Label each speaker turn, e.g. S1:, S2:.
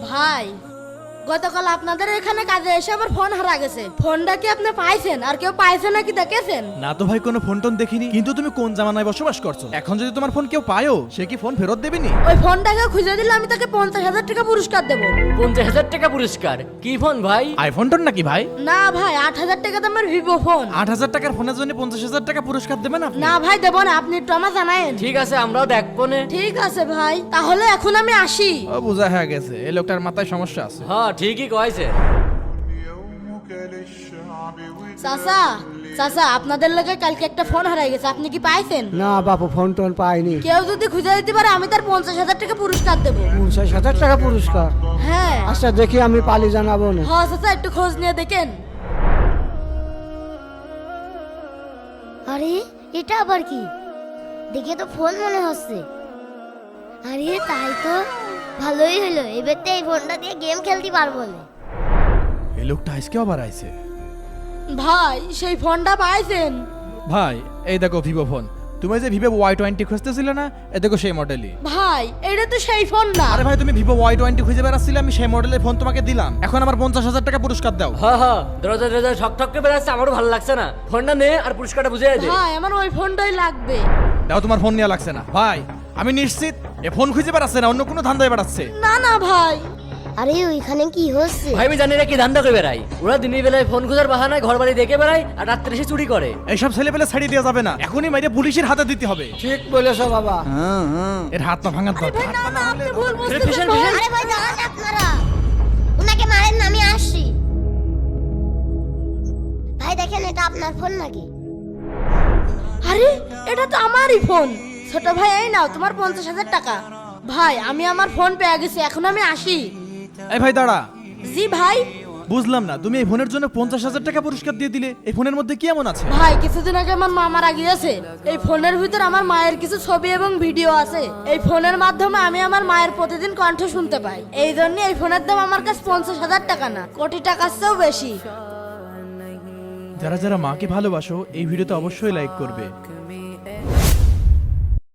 S1: ভাই গতকাল আপনাদের এখানে কাজে এসে আমার ফোন হারা গেছে। ফোনটা কি আপনি পাইছেন? আর কেউ পাইছে নাকি দেখেছেন?
S2: না তো ভাই, কোনো ফোন টোন দেখিনি। কিন্তু তুমি কোন জামানায় বসবাস করছো? এখন যদি তোমার ফোন কেউ পায়ও, সে কি ফোন ফেরত দেবেনি?
S1: ওই ফোনটাকে খুঁজে দিলে আমি তাকে 50,000 টাকা পুরস্কার দেবো।
S3: 50,000 টাকা পুরস্কার? কি ফোন ভাই?
S2: আইফোন টোন নাকি ভাই?
S1: না ভাই, 8,000 টাকা দামের ভিভো ফোন।
S2: 8,000 টাকার ফোনের জন্য 50,000 টাকা পুরস্কার দেবেন আপনি?
S1: না ভাই, দেবো না, আপনি একটু আমার জানায়েন।
S3: ঠিক আছে, আমরাও দেখবো নে।
S1: ঠিক আছে ভাই, তাহলে এখন আমি আসি।
S2: ও বোঝা হয়ে গেছে, এই লোকটার মাথায় সমস্যা আছে।
S3: হ্যাঁ ঠিকই কয়েছে।
S1: চাচা চাচা, আপনাদের লোকে কালকে একটা ফোন হারাই গেছে, আপনি কি পাইছেন?
S4: না বাপু, ফোন টোন পাইনি।
S1: কেউ যদি খুঁজে দিতে পারে আমি তার 50,000 টাকা পুরস্কার দেবো।
S4: 50,000 টাকা পুরস্কার?
S1: হ্যাঁ
S4: আচ্ছা দেখি, আমি পালি জানাবো না।
S1: হ্যাঁ চাচা, একটু খোঁজ নিয়ে দেখেন।
S5: আরে এটা আবার কি? দেখে তো ফোন মনে হচ্ছে। আরে তাই তো, ভালোই হলো, এবার তো এই ফোনটা দিয়ে গেম খেলতে পারবো না।
S2: এই লোকটা আজকে আবার আইছে।
S1: ভাই সেই ফোনটা পাইছেন?
S2: ভাই এই দেখো ভিভো ফোন। তুমি যে ভিভো Y20 খুঁজতেছিলে না, এ দেখো সেই মডেলই।
S1: ভাই এটা তো সেই ফোন না।
S2: আরে ভাই, তুমি ভিভো Y20 খুঁজে বেড়াচ্ছিলে, আমি সেই মডেলের ফোন তোমাকে দিলাম। এখন আমার 50,000 টাকা পুরস্কার দাও।
S3: হ্যাঁ হ্যাঁ, দরজা দরজা ঠক ঠক করে বেড়াচ্ছে, আমারও ভালো লাগছে না। ফোনটা নে আর পুরস্কারটা বুঝে দে।
S1: ভাই আমার ওই ফোনটাই লাগবে।
S2: দাও, তোমার ফোন নেওয়া লাগছে না। ভাই আমি নিশ্চিত এ ফোন খুঁজে বেড়াচ্ছে না, অন্য কোনো ধান্দায় বেড়াচ্ছে।
S1: না না ভাই।
S5: আরে ওইখানে কি হচ্ছে?
S3: ভাই আমি জানি না কি ধান্দা করে বেড়াই। ওরা দিনের বেলায় ফোন খোঁজার বাহানায় ঘর বাড়ি দেখে বেড়ায়, আর রাত্রে এসে চুরি করে।
S2: এইসব ছেলে পেলে ছাড়িয়ে দেওয়া যাবে না, এখনই মাইরে পুলিশের হাতে দিতে হবে।
S4: ঠিক বলেছো বাবা।
S2: এর হাত পা ভাঙার
S1: ভাই
S2: দরকার।
S1: না না, আপনি ভুল
S3: ফিসেন,
S1: বুঝতেছেন
S3: ফিসেন।
S1: ভাই।
S5: আরে ভাই দাঁড়ান আপনারা, উনাকে মারেন না, আমি আসছি। ভাই দেখেন, এটা আপনার ফোন নাকি?
S1: আরে এটা তো আমারই ফোন। ছোট ভাই এই নাও তোমার 50,000 টাকা। ভাই আমি আমার ফোন পেয়ে গেছি, এখন আমি আসি।
S2: এই ভাই দাঁড়া।
S1: জি ভাই।
S2: বুঝলাম না, তুমি এই ফোনের জন্য 50,000 টাকা পুরস্কার দিয়ে দিলে। এই ফোনের মধ্যে কি এমন আছে?
S1: ভাই কিছুদিন আগে আমার মা মারা গিয়েছে। এই ফোনের ভিতর আমার মায়ের কিছু ছবি এবং ভিডিও আছে। এই ফোনের মাধ্যমে আমি আমার মায়ের প্রতিদিন কণ্ঠ শুনতে পাই। এই জন্য এই ফোনের দাম আমার কাছে 50,000 টাকা না, কোটি টাকার চেয়েও বেশি।
S2: যারা যারা মাকে ভালোবাসো, এই ভিডিওতে অবশ্যই লাইক করবে।